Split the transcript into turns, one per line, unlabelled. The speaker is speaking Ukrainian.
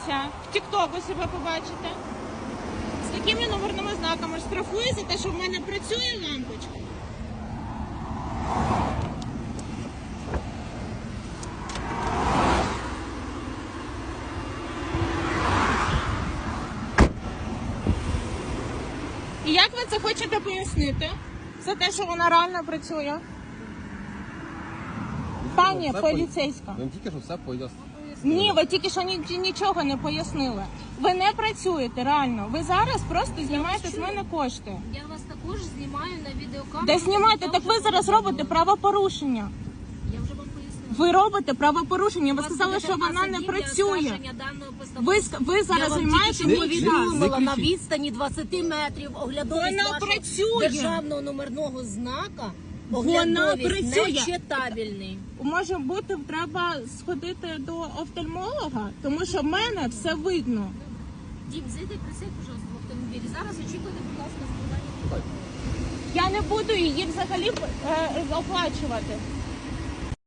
подивіться, в тіктоку себе побачите. З такими номерними знаками штрафує за те, що в мене працює лампочка. І як ви це хочете пояснити? За те, що вона реально працює? Пані поліцейська.
Ви тільки що все пояснили.
Ні, ви тільки що нічого не пояснили. Ви не працюєте реально. Ви зараз просто знімаєте з мене кошти.
Я вас також знімаю на відеокамеру.
Де знімаєте? Так ви зараз робите правопорушення.
Я вже вам пояснила.
Ви робите правопорушення. Ви сказали, що вона не працює. Ви зараз займаєте мій час.
повідомила на відстані 20 метрів оглядовість
Вона
вашого
працює.
державного номерного знака.
Вона
Оглядовість
працює.
нечитабельний.
Може бути, треба сходити до офтальмолога, тому що в мене все видно.
Дім, зайди, присядь, пожалуйста, в автомобілі. Зараз очікуйте, будь ласка, складання.
Я не буду її взагалі оплачувати.